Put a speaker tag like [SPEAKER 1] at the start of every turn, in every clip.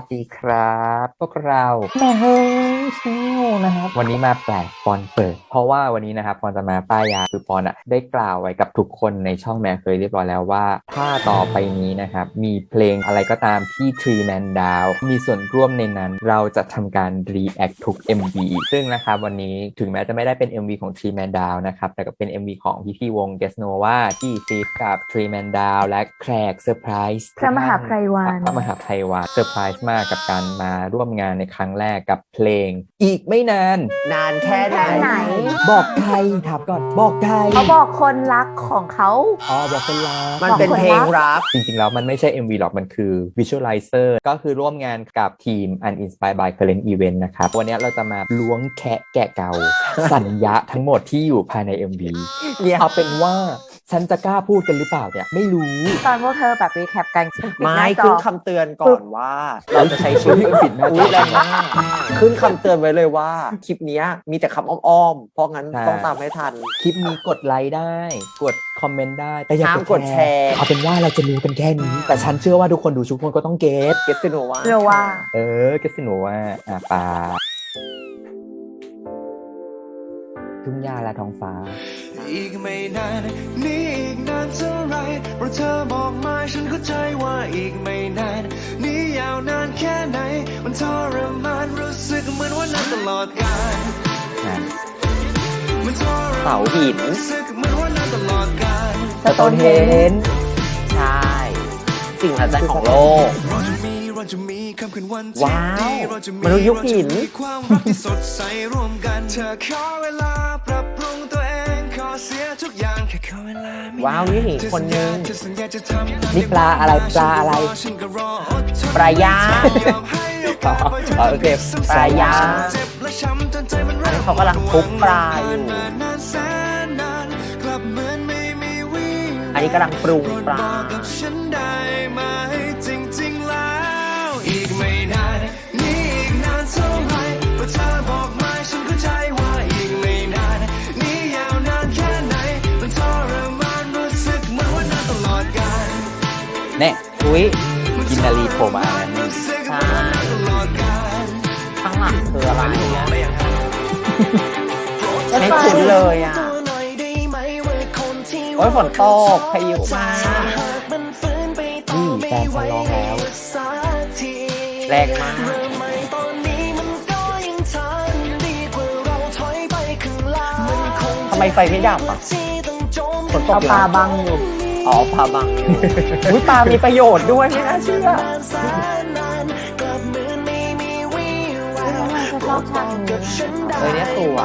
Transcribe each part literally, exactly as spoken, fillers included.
[SPEAKER 1] ดีครับพวกเราแม่เฮ้ยชิวนะครับวันนี้มาแปลกปอนเปิดเพราะว่าวันนี้นะครับปอนจะมาป้ายยาคือปอนอะได้กล่าวไว้กับทุกคนในช่องแม่เคยเรียบร้อยแล้วว่าถ้าต่อไปนี้นะครับมีเพลงอะไรก็ตามที่ Three Man Down มีส่วนร่วมในนั้นเราจะทำการ react ทุก เอ็ม วี ซึ่งนะครับวันนี้ถึงแม้จะไม่ได้เป็น เอ็ม วี ของ Three Man Down นะครับแต่ก็เป็น เอ็ม วี ของพี่ๆวง Guess Nova ที่ฟีดกับ Three Man Down และแขกเซอร์ไพรส์
[SPEAKER 2] พระมหาไพรวัน
[SPEAKER 1] พระมหาไพรวันเซอร์ไพรส์มากกับการมาร่วมงานในครั้งแรกกับเพลงอีกไม่นาน
[SPEAKER 3] นานแค่ไหน
[SPEAKER 2] แค่ไหน
[SPEAKER 1] บอกใครถามก่อนบอกใคร
[SPEAKER 2] เขาบอกคนรักของเขา
[SPEAKER 1] อ๋อบอกคนรัก
[SPEAKER 3] มันเป็นเพลงรัก
[SPEAKER 1] จริงๆแล้วมันไม่ใช่ เอ็ม วี หรอกมันคือ Visualizer ก็คือร่วมงานกับทีม Uninspired by Current Event นะครับวันนี้เราจะมาล้วงแคะแกะเกา สัญญาทั้งหมดที่อยู่ภายใน เอ็ม วี
[SPEAKER 3] เนี่ย
[SPEAKER 1] เอาเป็นว่าฉันจะกล้าพูดกันหรือเปล่าเนี่ยไม่รู้
[SPEAKER 2] ตอนพวกเธอแบบรีแคปกัน
[SPEAKER 3] ไม่ขึ้นคำเตือนก่อนว่า เราจะใช้ชื่อ
[SPEAKER 1] ปิดหน้าจอ
[SPEAKER 3] อุ๊ยแรงมากขึ้นคำเตือนไว้เลยว่า คลิปเนี้ยมีแต่คำอ้อมๆ เพราะงั้น
[SPEAKER 1] ใช่
[SPEAKER 3] ต้องตามให้ทัน
[SPEAKER 1] คลิปนี้กดไลค์ได้ กดคอมเมนต์ได้แต่อย่า
[SPEAKER 3] ห้ามกดแชร์
[SPEAKER 1] เอาเป็นว่าเราจะรู้กันแค่นี้ แต่ฉันเชื่อว่าทุกคนดูทุกคนก็ต้องเก็ต
[SPEAKER 3] เกสโนว่า
[SPEAKER 2] เรียกว่า
[SPEAKER 1] เออเก็ตสิหนูว่าอ่ะปลาทุ่งหญ้าและท้องฟ้า
[SPEAKER 4] อีกไม่นานนี่อีกนานเท่าไรเพราะเธอบอกมาฉันเข้าใจว่าอีกไม่นานนี่ยาวนานแค่ไหนมันทรมานรู้สึกเหมือนว่านานตลอดกาลมันทรมาน
[SPEAKER 3] เสาหิน
[SPEAKER 4] รู้สึกเหมือนว่านานตลอดกาล
[SPEAKER 1] สโตนเฮนจ์
[SPEAKER 3] ใช่ สิ่งมหัศจรรย์ของโลก
[SPEAKER 4] เราจะมีเราจะมีค่ำคืนวันที่
[SPEAKER 3] ว้าว
[SPEAKER 4] ดีเราจะมี
[SPEAKER 3] มนุษย์ยุคหิน
[SPEAKER 4] เราจะมีความรักที่สดใสร่วมกันเธอขอเวลาปรับปรุงตัวเองขอเสียทุกอย่างแค่ขอเวลาไม่
[SPEAKER 3] ว้าวนี่หนีคนนึง
[SPEAKER 1] นี่ปลาอะไรปลาอะไร
[SPEAKER 3] ปลาย่างอ๋อโอเคปลาย่างอันนี้เขากำลังทุบปลาอยู่ อันนี้กำลังปรุงปลา
[SPEAKER 4] จริงๆแล้วอีกไม่นานนี่อีกนานเท่าไหร่เพราะเธอบอกมาฉันเข้าใจว่าอีกไม่นานนี่ยาวนานแค่ไหนมันทรมานรู้สึกเหมือนว่านานตลอดกาล
[SPEAKER 1] เนี่ย
[SPEAKER 3] อุ้ย
[SPEAKER 1] กินนารีโผล่มาแล้วนี่
[SPEAKER 3] ใช่ข้างหลังคืออะไรอ่ะไม่คุ้นเลยอ่ะ โอ้ยฝนตกพายุมา
[SPEAKER 1] นี่แฟนฉันร้องแล้ว
[SPEAKER 3] แรงมาก ทำไมไฟไม่ดับอ่ะฝนตก
[SPEAKER 2] เอาปลาบังอยู่
[SPEAKER 3] อ๋อปลาบังอยู่อุ้ยปลามีประโยชน์ด้วยไม่น่าเชื่อ
[SPEAKER 2] ชอบฉากนี้
[SPEAKER 3] เออเนี่ยสวย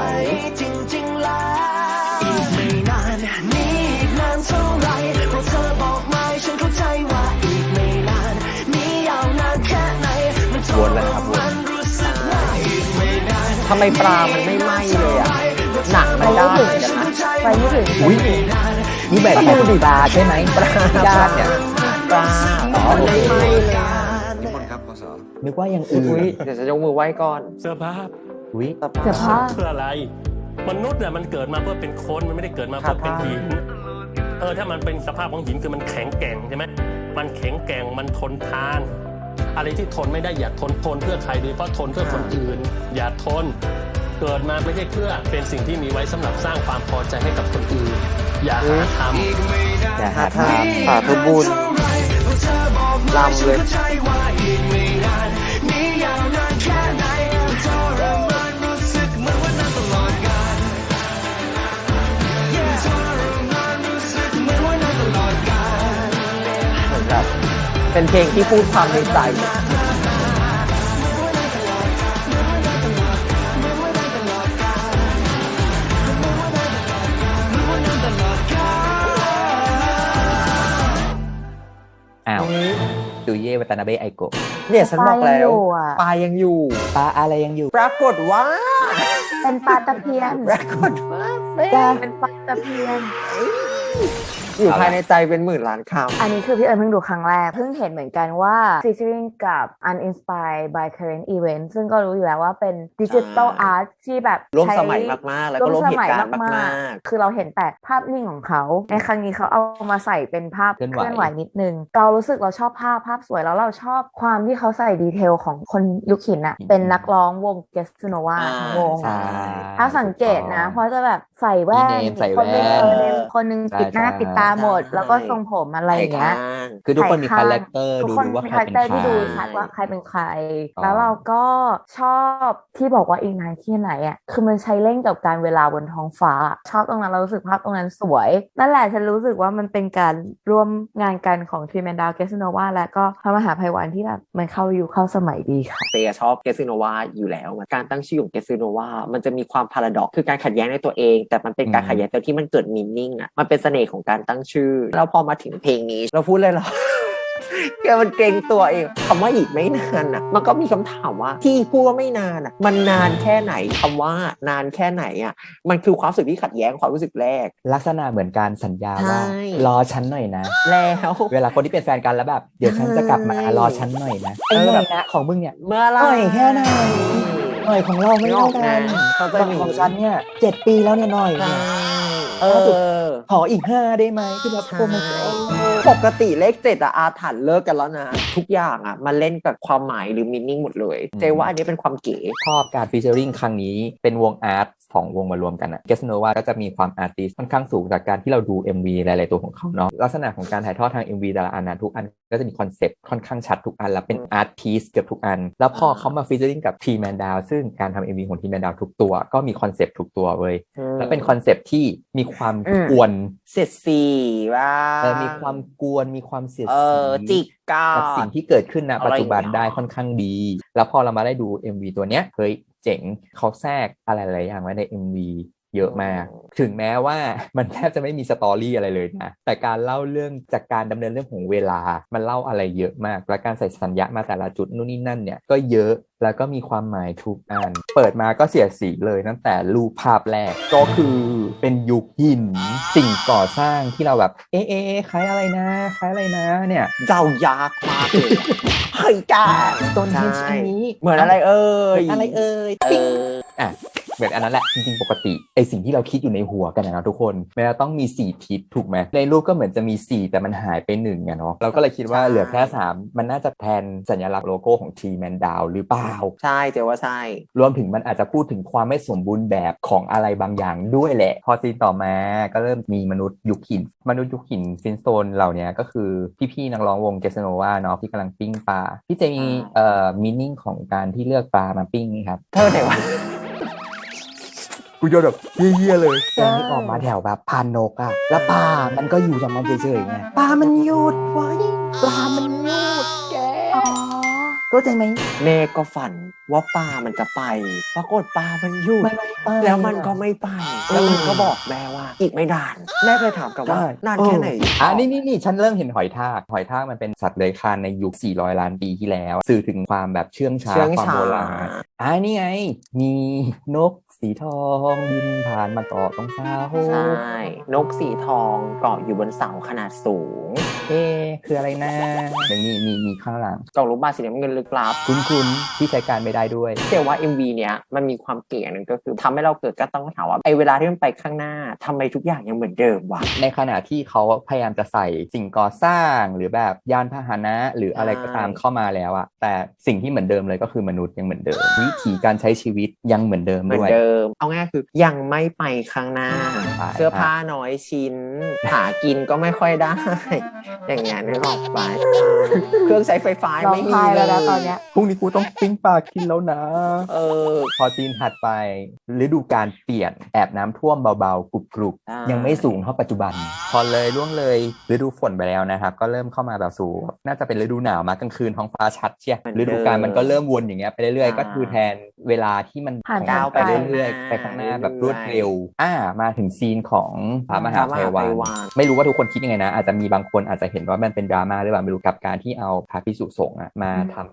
[SPEAKER 4] อีกไม่นานนี่อีกนานเท่าไหร่เพราะเธอบอกมาฉันเข้าใจว่าอีกไม่นานนี่ยาวนานแค่ไหนมันท
[SPEAKER 1] วนแล้วครับวน
[SPEAKER 4] มันรู้สึกว่าอีกไม่นาน
[SPEAKER 3] ทำไมปลามันไม่ไหม้เลยอ่ะ หนักมันได้เหมือนกันนะ
[SPEAKER 2] ไปไม่ถึง
[SPEAKER 1] อุ้ยนี่แบบดูดิปลาใช่ไหมปลาญาติเนี่ย
[SPEAKER 3] ปลาอ๋อมันไม่ไหม้เลยอะ
[SPEAKER 4] นิมนต์ครับพศ
[SPEAKER 1] นึกว่ายังอื่
[SPEAKER 3] อุ้ย
[SPEAKER 1] น
[SPEAKER 3] เดี๋ยวจะยกมือไหว้ก่อน
[SPEAKER 5] เสื้อผ้า
[SPEAKER 1] อุ้ย
[SPEAKER 2] เสื้อผ้า
[SPEAKER 5] เพื่ออะไร มนุษย์เนี่ยมันเกิดมาเพื่อเป็นคนมันไม่ได้เกิดมาเพื่อเป็นหินเออถ้ามันเป็นสภาพของหินคือมันแข็งแกร่งใช่ไหมมันแข็งแกร่งมันทนทาน อะไรที่ทนไม่ได้อย่าทนทนเพื่อใครโดยเฉพาะทนเพื่อคนอื่น อย่าทน เกิดมาไม่ใช่เพื่อเป็นสิ่งที่มีไว้สำหรับสร้างความพอใจให้กับคนอื่น อย่าหาทำ
[SPEAKER 1] อย่าหาท
[SPEAKER 3] สาธุบุญลำเลย เหมือนแบบเป็นเพลงที่พูดความในใจ
[SPEAKER 1] ำอ้าวดูเย่วัตนาเบะไอโกะ
[SPEAKER 3] เนี่ยฉันบอกแล้ว
[SPEAKER 2] ปลายังอยู่อะ
[SPEAKER 3] ปลายังอยู่
[SPEAKER 1] ปลาอะไรยังอยู่
[SPEAKER 3] ปรากฏว่า
[SPEAKER 2] เป็นปลาตะเพียน
[SPEAKER 3] ปรากฏว่าเฟ้
[SPEAKER 2] เป็นปลาตะเพียน
[SPEAKER 3] อยู่ภายในใจเป็นหมื่นล้านค
[SPEAKER 2] อันนี้คือพี่เอิญเพิ่งดูครั้งแรกเพิ่งเห็นเหมือนกันว่า featuring กับ Uninspired by Current Event ซึ่งก็รู้อยู่แล้วว่าเป็น Digital Art ที่แบบ
[SPEAKER 3] ำร่วม
[SPEAKER 2] ใช้
[SPEAKER 3] สมัยมากๆ แล้วก็ร่วมเหตุการณ์มาก
[SPEAKER 2] ๆ คือเราเห็นแต่ภาพนิ่งของเขา ในครั้งนี้เขาเอามาใส่เป็นภาพ
[SPEAKER 1] เคลื่อนไหว
[SPEAKER 2] เคลื่อนไหวนิดนึง เรารู้สึกเราชอบภาพภาพสวยแล้วเราชอบความที่เขาใส่ดีเทลของคนยุคหินอะเป็นนักร้องวง Gesunova
[SPEAKER 3] อ่า
[SPEAKER 2] ทั้งวง
[SPEAKER 1] ใช่
[SPEAKER 2] ถ้าสังเกตนะ เพราะจะแบบใส่แว่น
[SPEAKER 1] มีเนมใส่
[SPEAKER 2] คนหนึง
[SPEAKER 1] แว่น
[SPEAKER 2] เออเนมคนหนึง
[SPEAKER 1] ใช่
[SPEAKER 2] ปิดหน้า
[SPEAKER 1] ใช่
[SPEAKER 2] ปิดตาหมด แล้วก็ทรงผมอะไรอย่างเงี้ย
[SPEAKER 3] ข้าง
[SPEAKER 1] คือทุกคนมี
[SPEAKER 2] ถ่าย
[SPEAKER 1] คา
[SPEAKER 2] ข้าง
[SPEAKER 1] แรคเตอร์
[SPEAKER 2] ทุก
[SPEAKER 1] ดู
[SPEAKER 2] คน
[SPEAKER 1] ดูว่า
[SPEAKER 2] มี
[SPEAKER 1] ใคร
[SPEAKER 2] คาแรค
[SPEAKER 1] เป็น
[SPEAKER 2] เตอร์
[SPEAKER 1] ใคร
[SPEAKER 2] ที่ดูชัดว่าใครเป็นใคร
[SPEAKER 1] อ๋อ
[SPEAKER 2] แล้วเราก็ชอบที่บอกว่าอีกนานที่ไหนอ่ะคือมันใช้เล่นกับการเวลาบนท้องฟ้า ชอบตรงนั้นเรารู้สึกภาพตรงนั้นสวย นั่นแหละฉันรู้สึกว่ามันเป็นการร่วมงานกันของทรีแมนดาวเกสโนวาและก็พระมหาภัยวันที่แบบมันเข้ายุคเข้าสมัยดีค่ะ
[SPEAKER 3] เซชอบเกสซิโนวาอยู่แล้วการตั้งชื่อของเกสซิโนวามันจะมีความพาราดอกคือการขัดแย้งในตัวเอง แต่มันเป็นการ
[SPEAKER 1] อืม
[SPEAKER 3] ขัดแย้งแต่ที่มันเกิดมีนิ่งอ่ะมันเป็นเสน่ห์ของการตั้งชื่อแล้วพอมาถึงเพลงนี้เราพูดเลยเหรอ แกมันเกรงตัวเองคำว่าอีกไม่นานอ่ะมันก็มีคำถามว่าที่พูดว่าไม่นานอ่ะมันนานแค่ไหนคำว่านานแค่ไหนอ่ะมันคือความรู้สึกที่ขัดแย้งความรู้สึกแรก
[SPEAKER 1] ลักษณะเหมือนการสัญญาว่า
[SPEAKER 3] ใช่
[SPEAKER 1] รอฉันหน่อยนะ
[SPEAKER 3] แล้ว
[SPEAKER 1] เวลาคนที่เป็นแฟนกันแล้วแบบเดี๋ยวฉันจะกลับมา
[SPEAKER 3] ใช่
[SPEAKER 1] รอฉันหน่อยนะไอ้หน่อยนะของมึงเนี่ย
[SPEAKER 3] เมื่อไหร
[SPEAKER 1] หน่อยแค่ไหนหน่อยของเราไม่เท่ากัน
[SPEAKER 3] เขาจะมี
[SPEAKER 1] ของฉันเนี่ยเจ็ดปีแล้วเนี่ยหน่อยเนี่ย
[SPEAKER 3] เออ
[SPEAKER 1] ขออีกห้าได้ไหมคือแบบ
[SPEAKER 3] ใช่
[SPEAKER 1] โอ้มัน
[SPEAKER 3] ปกติเลขเจ็ดอะอาถรรพ์เลิกกันแล้วนะ ทุกอย่างอะมันเล่นกับความหมายหรือมินนิ่งหมดเลย เจว่าอันนี้เป็นความเก๋
[SPEAKER 1] ชอบการฟีเจอริงครั้งนี้เป็นวงอาร์ตสองวงมารวมกันอะเกสโนวาก็จะมีความอาร์ติสค่อนข้างสูงจากการที่เราดู เอ็ม วี หลายๆตัวของเขาเนาะลักษณะของการถ่ายทอดทาง เอ็ม วี แต่ละอันนะทุกอันก็จะมีคอนเซปต์ค่อนข้างชัดทุกอันแล้วเป็นอาร์ตพีซเกือบทุกอัน แล้วพอเขามาฟีเจอริงกับทีแมนดาวซึ่งการทำ เอ็ม วี ของทีแมนดาวทุกตัวก็มีคอนเซปต์ทุกตัวเว้ยแล้วเป็นคอนเซปต์ที่มีความ
[SPEAKER 2] อืม
[SPEAKER 1] กวน
[SPEAKER 3] เสียดสีว่า
[SPEAKER 1] เออมีความกวนมีความเสียด
[SPEAKER 3] เอ
[SPEAKER 1] สี
[SPEAKER 3] อจิกกา
[SPEAKER 1] กับสิ่งที่เกิดขึ้นณ
[SPEAKER 3] อะไร
[SPEAKER 1] ปัจจุบัน
[SPEAKER 3] อย่างเงี้ย
[SPEAKER 1] ได้ค่อนข้างดี แล้วพอเรามาได้ดู เอ็ม วี ตัวเนี้ยเฮ้ยเจ๋งเขาแทรกอะไรหลายอย่างไว้ใน เอ็ม วี เยอะมาก ถึงแม้ว่ามันแทบจะไม่มีสตอรี่อะไรเลยนะแต่การเล่าเรื่องจากการดำเนินเรื่องของเวลามันเล่าอะไรเยอะมากและการใส่สัญญามาแต่ละจุดนู่นนี่นั่นเนี่ยก็เยอะแล้วก็มีความหมายทุกอันเปิดมาก็เสียดสีเลยตั้งแต่รูปภาพแรกก็คือเป็นยุคหินสิ่งก่อสร้างที่เราแบบเอ๊ะเอ๊ะคล้ายอะไรนะคล้ายอะไรนะเนี่ย
[SPEAKER 3] เจ้ายากมากเลยเฮ้ยจ้า
[SPEAKER 1] Stonehenge อันนี้
[SPEAKER 3] เหมือนอะไรเอ่ย
[SPEAKER 1] อะไรเอ่ย
[SPEAKER 3] เออ
[SPEAKER 1] อ่ะเหมือนอันนั้นแหละจริงๆปกติไอสิ่งที่เราคิดอยู่ในหัวกันนะทุกคนมันจะต้องมีสี่ทิศถูกไหมในรูปก็เหมือนจะมีสี่แต่มันหายไปหนึ่งอะเนาะเราก็เลยคิดว่า
[SPEAKER 3] ใช่
[SPEAKER 1] เหลือแค่สามมันน่าจะแทนสัญลักษณ์โลโก้ของ T Man Down หรือเปล่า
[SPEAKER 3] ใช่เจว่าใช่
[SPEAKER 1] รวมถึงมันอาจจะพูดถึงความไม่สมบูรณ์แบบของอะไรบางอย่างด้วยแหละ พอซีนต่อมาก็เริ่มมีมนุษย์ยุคหินมนุษย์ยุคหินฟินสโตนเหล่านี้ก็คือพี่ๆนักร้องวงเกสโนวาเนาะที่กำลังปิ้งปลาพี่เจมีเอ่อมีนิ่งของการที่เลือกปลามาปิ้งนี่ครับ
[SPEAKER 3] เธอไหนวะ
[SPEAKER 1] กูโยนแบบเยี่ยๆเลยแกนี่ออกมาแถวแบบพานนกอะแล้วปลามันก็อยู่อย่างมันเฉยๆไงปลามันหยุดไว้ปลามันหยุดแก
[SPEAKER 2] อ๋อ
[SPEAKER 1] เข้าใจไหม
[SPEAKER 3] แม่ก็ฝันว่าปลามันจะไป ปรากฏปลามันหยุด
[SPEAKER 1] ไม่ไม่ไป
[SPEAKER 3] แล้วมันก็ไม่ไป แล้วมันก็บอกแม่ว่า อีกไม่นาน แม่เลยถามกลับว่า
[SPEAKER 1] ใช่
[SPEAKER 3] นานแค่ไหน
[SPEAKER 1] อ่ะนี่นี่นี่ฉันเริ่มเห็นหอยทากหอยทากมันเป็นสัตว์เลื้อยคลานในยุคสี่ร้อยล้านปีที่แล้ว สื่อถึงความแบบเชื่องช้า
[SPEAKER 3] เชื่อง
[SPEAKER 1] ความ
[SPEAKER 3] ช้า
[SPEAKER 1] โบราณอ่ะนี่ไง มีนกสีทองบินผ่านมาเกาะตรงเสา
[SPEAKER 3] ใช่ นกสีทองเกาะอยู่บนเสาขนาดสูง
[SPEAKER 1] เอ๊ะคืออะไรนะเดี๋ยวนี้มีมีข้างหลัง
[SPEAKER 3] กล่องลูกบาศก์สีน้ำเงินลึกลับ
[SPEAKER 1] คุ้นๆที่ใช้การไม่ได้ด้วย
[SPEAKER 3] เจว่า เอ็ม วี เนี้ยมันมีความเก๋อย่างหนึงก็คือทำให้เราเกิดก็ต้องถามว่าไอเวลาที่มันไปข้างหน้าทำไมทุกอย่างยังเหมือนเดิมวะ
[SPEAKER 1] ในขณะที่เขาพยายามจะใส่สิ่งก่อสร้างหรือแบบยานพาหนะหรืออะไรก็ตามเข้ามาแล้วอะแต่สิ่งที่เหมือนเดิมเลยก็คือมนุษย์ยังเหมือนเดิม วิธีการใช้ชีวิตยังเหมือนเดิม
[SPEAKER 3] เหมือ
[SPEAKER 1] ด้
[SPEAKER 3] น
[SPEAKER 1] วย
[SPEAKER 3] เดิม เอาง่ายคือยังไม่ไปข้างหน้า
[SPEAKER 1] ใช่
[SPEAKER 3] เสื้อผ้าน้อยชิ้น หากินก็ไม่ค่อยได้ อย่างเงี้ยนึกออกไป เครื่องใช้ไฟฟ้า
[SPEAKER 2] ร้อง
[SPEAKER 3] ไม่มี
[SPEAKER 2] ไห้
[SPEAKER 3] เล
[SPEAKER 2] แล้วนะ
[SPEAKER 3] ย
[SPEAKER 2] ตอนเนี้ย
[SPEAKER 1] พรุ่งนี้กูต้องปิ้งปลากินแล้วนะ
[SPEAKER 3] เออ
[SPEAKER 1] พอซีนถัดไปฤดูการเปลี่ยนแอบน้ำท่วมเบาๆกรุบ
[SPEAKER 3] ใช่
[SPEAKER 1] ๆยังไม่สูงเท่าปัจจุบัน พอเลยล่วงเลยฤดูฝนไปแล้วนะครับก็เริ่มเข้ามาแบบสู่น่าจะเป็นฤดูหนาวมากลางคืนท้องฟ้าชัดเชียฤดูกาลมันก็เริ่มวนอย่างเงี้ยไปเรื่อยๆก็คือแทนเวลาที่มัน
[SPEAKER 2] ผ่าน
[SPEAKER 1] ของมั
[SPEAKER 2] ก้าว
[SPEAKER 1] ไป
[SPEAKER 2] ไป
[SPEAKER 1] เรื่อยๆไปข้างหน้าแบบรวดเร็วอ่ามาถึงซีนของพระมหา
[SPEAKER 3] พระม
[SPEAKER 1] ภั
[SPEAKER 3] หาย
[SPEAKER 1] วัน
[SPEAKER 3] ภัยวัน
[SPEAKER 1] ไม่รู้ว่าทุกคนคิดยังไงนะอาจจะมีบางคนอาจจะเห็นว่ามันเป็นดราม่าหรือเปล่าไม่รู้กับการที่เอาพระภิกษุสงฆ์อะมาทำ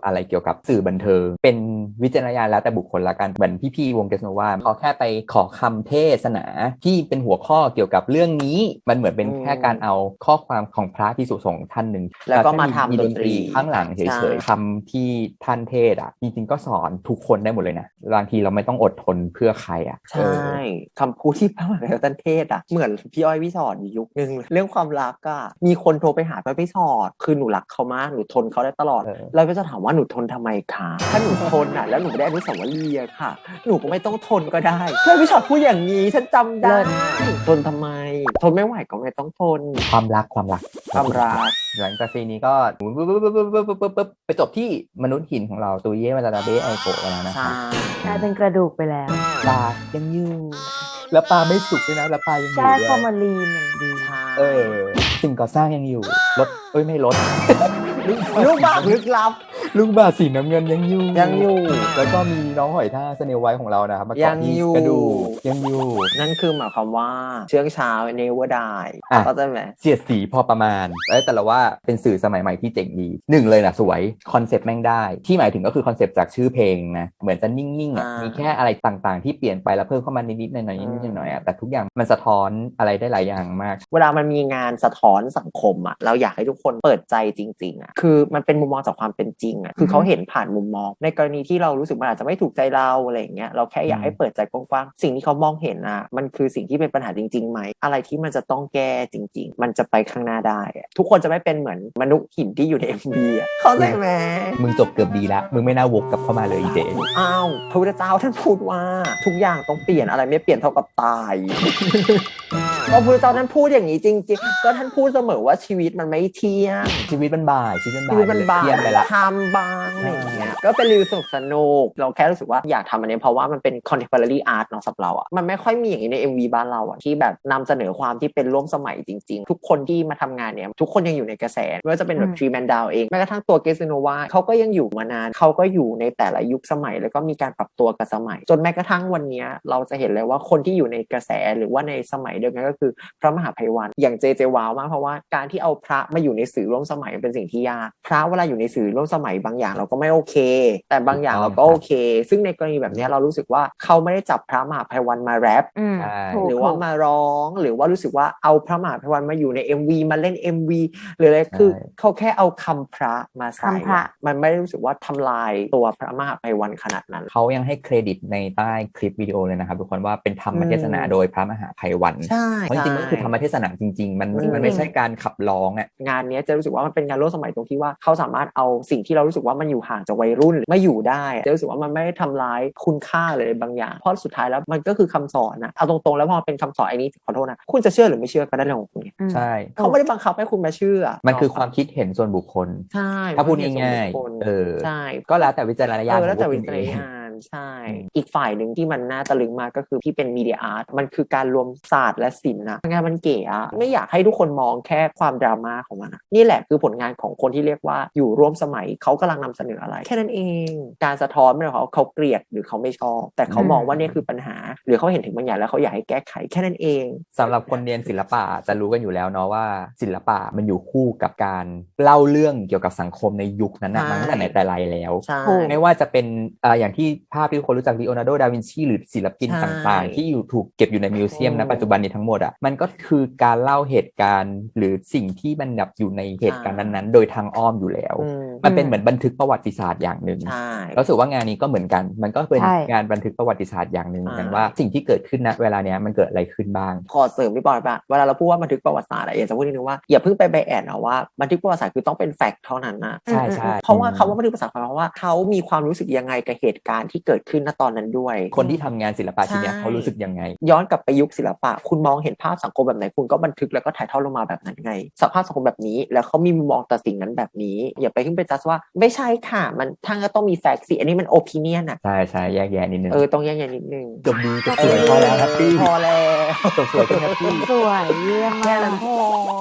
[SPEAKER 1] อะไรเกี่ยวกับสื่อบันเทิงเป็นวิจารณญาณแล้วแต่บุคคลละกันเหมือนพี่ๆวงเกสโนวาเขาแค่ไปขอคำเทศนาที่เป็นหัวข้อเกี่ยวกับเรื่องนี้มันเหมือนเป็นแค่การเอาข้อความของพระภิกษุสงฆ์ท่านหนึ่ง
[SPEAKER 3] แล้วก็มาทำดนตรี
[SPEAKER 1] ข้างหลังเฉ
[SPEAKER 3] ใช่
[SPEAKER 1] ยๆคำที่ท่านเทศอ่ะจริงๆก็สอนทุกคนได้หมดเลยนะบางทีเราไม่ต้องอดทนเพื่อใครอ่ะ
[SPEAKER 3] ใช่คำพูดที่พระมหาไพวันเทศอ่ะเหมือนพี่อ้อยพี่สอนอยู่ยุคนึงเรื่องความรักอ่ะมีคนโทรไปหาพระพี่สอนคือหนูรักเขามากหนูทนเขาได้ตลอด
[SPEAKER 1] เออ
[SPEAKER 3] เราก็จะถามว่าหนูทนทำไมคะถ้าหนูทนอ่ะแล้วหนูไม่ได้อนุสาวรีย์อะค่ะ หนูก็ไม่ต้องทนก็ได้พระพี่สอนพูดอย่างนี้ฉันจำได้ทนทำไมทนไม่ไหวก็ไม่ต้องทน
[SPEAKER 1] ความรักความรัก
[SPEAKER 3] ความรัก
[SPEAKER 1] หลังจากซีนนี้ก็ปุ๊บปุ๊บปุ๊บปุ๊บปุ๊บปุ๊บปุ๊บไปจบที่มนุษย์หินของเราตัวเย่มาตาเบะไอโกะแล้วนะค
[SPEAKER 3] ใช่
[SPEAKER 1] รับ
[SPEAKER 2] กลายเป็นกระดูกไปแล้ว
[SPEAKER 1] ปลายังอยู่แล้วปลาไม่สุกด้วยนะแล้วปลายังอยู่
[SPEAKER 2] แก้
[SPEAKER 1] ด้
[SPEAKER 2] ฟอ
[SPEAKER 1] วย
[SPEAKER 2] ร์มาลีนอย่างดี
[SPEAKER 3] ใช่
[SPEAKER 1] เออสิ่งก่อสร้างยังอยู่รถเอ้ยไม่รถ
[SPEAKER 3] ลูกบ้าลึกลับ
[SPEAKER 1] ลูกบาศก์สีน้ำเงินยังอยู่
[SPEAKER 3] ยังอยู่
[SPEAKER 1] แล้วก็มีน้องหอยทากสเนลไวท์ของเรานะครับมา
[SPEAKER 3] ยั
[SPEAKER 1] เกาะ
[SPEAKER 3] ง
[SPEAKER 1] ที่
[SPEAKER 3] อยู่
[SPEAKER 1] กระดูกยังอยู่
[SPEAKER 3] นั่นคือหมายความว่าเชื่องช้าเนเวอร์ได้
[SPEAKER 1] อ่ะ
[SPEAKER 3] เข้าใจไหม
[SPEAKER 1] เสียดสีพอประมาณเอ้ยแต่ละว่าเป็นสื่อสมัยใหม่ที่เจ๋งดีหนึ่งเลยนะสวยคอนเซปต์แม่งได้ที่หมายถึงก็คือคอนเซปต์จากชื่อเพลงนะเหมือนจะนิ่งๆอ่ะ
[SPEAKER 3] อ่ามี
[SPEAKER 1] มีแค่อะไรต่างๆ ที่เปลี่ยนไปแล้วเพิ่มเข้ามานิดๆหน่อยๆนิดๆหน่อยๆอ่ะแต่ทุกอย่างมันสะท้อนอะไรได้หลายอย่างมาก
[SPEAKER 3] เวลามันมีงานสะท้อนสังคมอ่ะเราอยากให้ทุกคนเปิดใจจริงๆอ่ะคือมันเป็นมุมมองจากความเป็นจริงอ่ะคือเขาเห็นผ่านมุมมองในกรณีที่เรารู้สึกมันอาจจะไม่ถูกใจเราอะไรอย่างเงี้ยเราแค่อยากให้เปิดใจกว้างๆสิ่งที่เขามองเห็นอ่ะมันคือสิ่งที่เป็นปัญหาจริงๆไหมอะไรที่มันจะต้องแก้จริง ๆ มันจะไปข้างหน้าได้อะทุกคนจะไม่เป็นเหมือนมนุษย์หินที่อยู่ใน เอ็ม วี อ่ะเข้าใจไหม
[SPEAKER 1] มึงจบเกือบดีแล้วมึงไม่น่าวกกลับเข้ามาเลยอีเจ
[SPEAKER 3] อ้าวพระพุทธเจ้าท่านพูดว่าทุกอย่างต้องเปลี่ยนอะไรไม่เปลี่ยนเท่ากับตาย พระพุทธเจ้าท่านพูดอย่างนี้จริงๆก็ท่านพูดเสมอว่าชีวิตมันไม่เที่ยง
[SPEAKER 1] ชีวิตมันบ่ายชีวิตมันบ่า
[SPEAKER 3] ชี
[SPEAKER 1] ย
[SPEAKER 3] วิตมันบาง
[SPEAKER 1] เที่ยงไปละ
[SPEAKER 3] ทำบางอะไรอย่างเงี้ยก็เป็นรีวิวสนุกสนุกเราแค่รู้สึกว่าอยากทำอันนี้เพราะว่ามันเป็น contemporary art เนาะสำหรับเราอ่ะมันไม่ค่อยมีอย่างนี้ใน เอ็ม วี บ้านเราอ่ะที่แบบนำเสนอความที่เป็นร่วมสมัยจริงๆ ทุกคนที่มาทำงานเนี่ยทุกคนยังอยู่ในกระแสไม่ว่าจะเป็นแบบ
[SPEAKER 2] อืม
[SPEAKER 3] ทรีแมนดาวเองแม้กระทั่งตัวเกสโนวาเขาก็ยังอยู่มานานเขาก็อยู่ในแต่ละยุคสมัยแล้วก็มีการปรับตัวกับสมัย จนแม้กระทั่งวันนี้เราจะเห็นเลยว่าคนที่อยู่ในกระแสหรือว่าในสมัยเดียวกันก็คือพระมหาไพวันอย่างเจเจว้าวมากเพราะว่าการที่เอาพระมาอยู่ในสื่อร่วมสมัยเป็นสิ่งที่ยากพระเวลาอยู่ในสื่อร่วมสมัยบางอย่างเราก็ไม่โอเค แต่บางอย่างเราก็โอเค ซึ่งในกรณีแบบนี้เรารู้สึกว่าเขาไม่ได้จับพระมหาไพวันมาแรป
[SPEAKER 2] อืม
[SPEAKER 1] ใช่
[SPEAKER 2] ถูก
[SPEAKER 3] หรือว่ามาร้องหรือว่ารู้สึกว่าเอาพระมหาไพวันมาอยู่ใน เอ็ม วี มาเล่น เอ็ม วี หรืออะไรคือเขาแค่เอาคำพระมาใส่
[SPEAKER 2] คำพระ
[SPEAKER 3] มันไม่ได้รู้สึกว่าทำลายตัวพระมหาไพวันขนาดนั้น
[SPEAKER 1] เขายังให้เครดิตในใต้คลิปวิดีโอเลยนะครับทุกคนว่าเป็นธรรมเทศนาโดยพระมหาไพวัน
[SPEAKER 3] ใช่
[SPEAKER 1] เพราะจริงๆมันก็คือธรรมเทศนาจริงๆ มัน
[SPEAKER 3] อืม
[SPEAKER 1] มันไม่ใช่การขับร้องอ่ะ
[SPEAKER 3] งานเนี้ยจะรู้สึกว่ามันเป็นงานร่วมสมัยตรงที่ว่าเขาสามารถเอาสิ่งที่เรารู้สึกว่ามันอยู่ห่างจากวัยรุ่นไม่อยู่ได้จะรู้สึกว่ามันไม่ได้ทำร้ายคุณค่าเลยบางอย่างเพราะสุดท้ายแล้วมันก็คือคำสอนนะเอาตรงๆแล้วพอเป็นคำสอนไอ้นี้ขอโทษนะคุณจะเชื่อหรือไม่เชื่อก็ได้เรื่องของคุณไง
[SPEAKER 1] ใช่
[SPEAKER 3] เขาไม่ได้บังคับให้คุณมาเชื่อ
[SPEAKER 1] มันคือความคิดเห็นส่วนบุคคล
[SPEAKER 3] ใช่
[SPEAKER 1] ถ้าพูดง่าย
[SPEAKER 3] มันเป็นส่วนบุคคล
[SPEAKER 1] ๆเออ
[SPEAKER 3] ใช่ก็
[SPEAKER 1] ก็แล้วแต่วิจารณญาณ
[SPEAKER 3] เออแล้วแต่
[SPEAKER 1] ของ
[SPEAKER 3] วิ
[SPEAKER 1] พก
[SPEAKER 3] จาร
[SPEAKER 1] คุณ
[SPEAKER 3] ณ
[SPEAKER 1] เอง
[SPEAKER 3] ญาณใช่
[SPEAKER 1] อืม
[SPEAKER 3] อีกฝ่ายหนึ่งที่มันน่าตะลึงมากก็คือที่เป็นมีเดียอาร์ตมันคือการรวมศาสตร์และศิลป์นะงานมันเก๋อะไม่อยากให้ทุกคนมองแค่ความดราม่าของมันอะนี่แหละคือผลงานของคนที่เรียกว่าอยู่ร่วมสมัยเขากำลังนำเสนออะไร แค่นั้นเองการสะท้อนไม่ได้เขาเขาเกลียดหรือเขาไม่ชอบ แต่เขามองว่านี่คือปัญหา หรือเขาเห็นถึงบางอย่างแล้วเขาอยากให้แก้ไขแค่นั้นเอง
[SPEAKER 1] สำหรับคนเรียนศิลปะจะรู้กันอยู่แล้วเนาะว่าศิลปะมันอยู่คู่กับการเล่าเรื่องเกี่ยวกับสังคมในยุคนั้นนะ
[SPEAKER 3] ใช่
[SPEAKER 1] มาตั้งแต่ไหนแต่ไรแล้ว
[SPEAKER 3] ใช่
[SPEAKER 1] ไม่ว่าจะเป็นอ่าอย่างที่ภาพที่ทุกคนรู้จักลีโอนาร์โด ดาวินชีหรือศิลปิน
[SPEAKER 3] ใช่
[SPEAKER 1] ต่างๆ ที่อยู่ถูกเก็บอยู่ในมิวเซียม
[SPEAKER 3] อื
[SPEAKER 1] นะ
[SPEAKER 3] ม
[SPEAKER 1] ปัจจุบันนี้ทั้งหมดอ่ะมันก็คือการเล่าเหตุการณ์ หรือสิ่งที่มันแบบอยู่ในเหตุการณ์นั้นๆ โดยทางอ้อมอยู่แล้ว
[SPEAKER 3] อืม
[SPEAKER 1] มันเป็นเหมือนบันทึกประวัติศาสตร์อย่างหนึ่ง
[SPEAKER 3] ใช่
[SPEAKER 1] รู้สึกว่างานนี้ก็เหมือนกัน มันก็เป็น
[SPEAKER 2] ใช่
[SPEAKER 1] งานบันทึกประวัติศาสตร์อย่างหนึ่งเหมือนกัน
[SPEAKER 3] อ่า
[SPEAKER 1] ว่าสิ่งที่เกิดขึ้นณเวลาเนี้ยมันเกิดอะไรขึ้นบ้าง
[SPEAKER 3] ขอเสริมพี่บอยป่ะเวลาเราพูดว่าบันทึกประวัติศาสตร์อะอยากจะพูดนิดนึงว่าอย่าเพิ่งไปไบแอดนะว่าบันทึกประวัติศาสตร์คือต้องเป็นแฟกต์เท่านั้นนะ
[SPEAKER 1] ใช่ใช่
[SPEAKER 3] เพราะว่าคำว่าบันทึกประวัติศาสตร์หมายความว่าเขามีความรู้สึกยังไงกับเหตุการณ์ที่เกิดขึ้นณตอนนั้นด้วย
[SPEAKER 1] คนที่ทำงานศิลปะชิ้นเนี้ย
[SPEAKER 3] ใช่
[SPEAKER 1] เขารู้สึกยังไง
[SPEAKER 3] ย้อนกลับไปยุคศิลปะคุณมองเห็นภาพสังคมแบบไหนคุณก็บันทึกแล้วก็ถ่ายทอดลงมาแบบนั้นไงสภาพสังคมแบบนี้แล้วเขามีมุมมองต่อสิ่งนั้นแบบนี้อย่าไปขึ้นไปจัดว่าไม่ใช่ค่ะมันทั้งก็ต้องมีแฟกต์สิอันนี้มันโอปิเนียนอะ
[SPEAKER 1] ใช่ใช่แยกแยะนิดนึง
[SPEAKER 3] เออต้องแยกแยะนิดนึง
[SPEAKER 1] จบดีจบสวยพอแล้วแฮปปี้
[SPEAKER 3] พอแล้ว
[SPEAKER 1] จบสวยก็แฮปปี้
[SPEAKER 2] สวยเยี่ยม
[SPEAKER 3] แค่
[SPEAKER 2] มา
[SPEAKER 3] นั้
[SPEAKER 2] ก
[SPEAKER 3] นพอ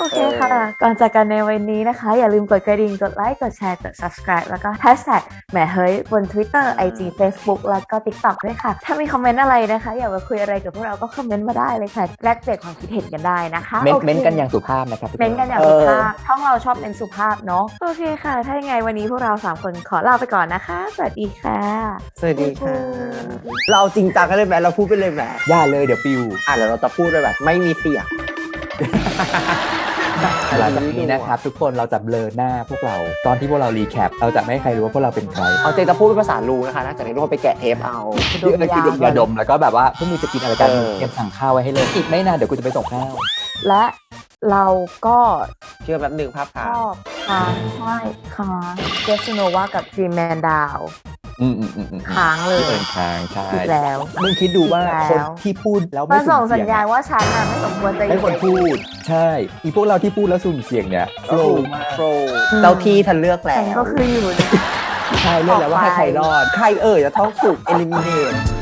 [SPEAKER 2] เคค่ะ ก่อนจากกันในวันนี้นะคะ อย่าลืมกดกระดิ่ง กดไลค์ กดแชร์ กด subscribe แล้วก็ hashtag แหมเฮ้ยบน Twitter ไอ จี Facebook แล้วก็ TikTok ด้วยค่ะ ถ้ามีคอมเมนต์อะไรนะคะ อยากมาคุยอะไรกับพวกเราก็คอมเมนต์มาได้เลยค่ะ แลกเปลี่ยนความคิดเห็นกันได้นะคะ
[SPEAKER 1] เม้น
[SPEAKER 2] โอค
[SPEAKER 1] เม้นกันอย่างสุภาพนะครับทุกค
[SPEAKER 2] เม้นกันอย่างสุภาพช่องเราชอบเน้นสุภาพเนาะโอเคค่ะ ถ้ายังไงวันนี้พวกเราสามคนขอลาไปก่อนนะคะ สวัสดีค่ะ
[SPEAKER 3] สวัสดีค่ะ เราเอาจริงจังกันเลยไหมเราพูดไปเลยไหม
[SPEAKER 1] อย่าเลยเดี๋ยวปิว
[SPEAKER 3] อ่ะเดี๋ยวเราจะพูดไปแบบไม่มีเสียง
[SPEAKER 1] หลังจากนี้นะครับทุกคนเราจะเบลอหน้าพวกเราตอนที่พวกเรารีแคปเราจะไม่ให้ใครรู้ว่าพวกเราเป็นใคร
[SPEAKER 3] เอาจริงจะพูดเป็นภาษาลูนะคะนะจากนี้ทุกคนไปแกะเทปเอา
[SPEAKER 1] คืออะไรคือดมยาดมแล้วก็แบบว่าพวกมึงจะกินอะไรกัน
[SPEAKER 3] เออ
[SPEAKER 1] เตรียมสั่งข้าวไว้ให้เลยอีกไม่นานเดี๋ยวกูจะไปส่งข้าว
[SPEAKER 2] และเราก็
[SPEAKER 3] เชื่อแป๊บหนึ่งภาพ
[SPEAKER 2] ช
[SPEAKER 3] ค้าง
[SPEAKER 2] อบค้างใช่ค้างเจสโนวากับจีแมนดาว
[SPEAKER 1] อืมอืมอืมอืม
[SPEAKER 2] ค้างเลย
[SPEAKER 1] เดินทางใช่
[SPEAKER 2] อีกแล้ว
[SPEAKER 1] มึงคิดดูว่า
[SPEAKER 2] อีกแล้ว
[SPEAKER 1] คนที่พูดแล้ว
[SPEAKER 2] มา
[SPEAKER 1] ไม่
[SPEAKER 2] ส่
[SPEAKER 1] สุ่
[SPEAKER 2] ง
[SPEAKER 1] ม
[SPEAKER 2] สั
[SPEAKER 1] เสี
[SPEAKER 2] ญ
[SPEAKER 1] ยง
[SPEAKER 2] ญาณ
[SPEAKER 1] อะ
[SPEAKER 2] ว่าฉันน่ะไม่สมควรจะ
[SPEAKER 1] ไม่ควรพูดใช่อีพวกเราที่พูดแล้วสุ่มเสียงเนี่ยโฟล์มาก
[SPEAKER 3] โปรเจ้าที่ทันเลือกแล้
[SPEAKER 2] ฉันก็
[SPEAKER 3] ว
[SPEAKER 2] คืออยู่เนี่ย
[SPEAKER 1] ใช่เรื่องแล้วว่าให้ใครรอด
[SPEAKER 3] ใครเอ่ยจะท้องถูก eliminate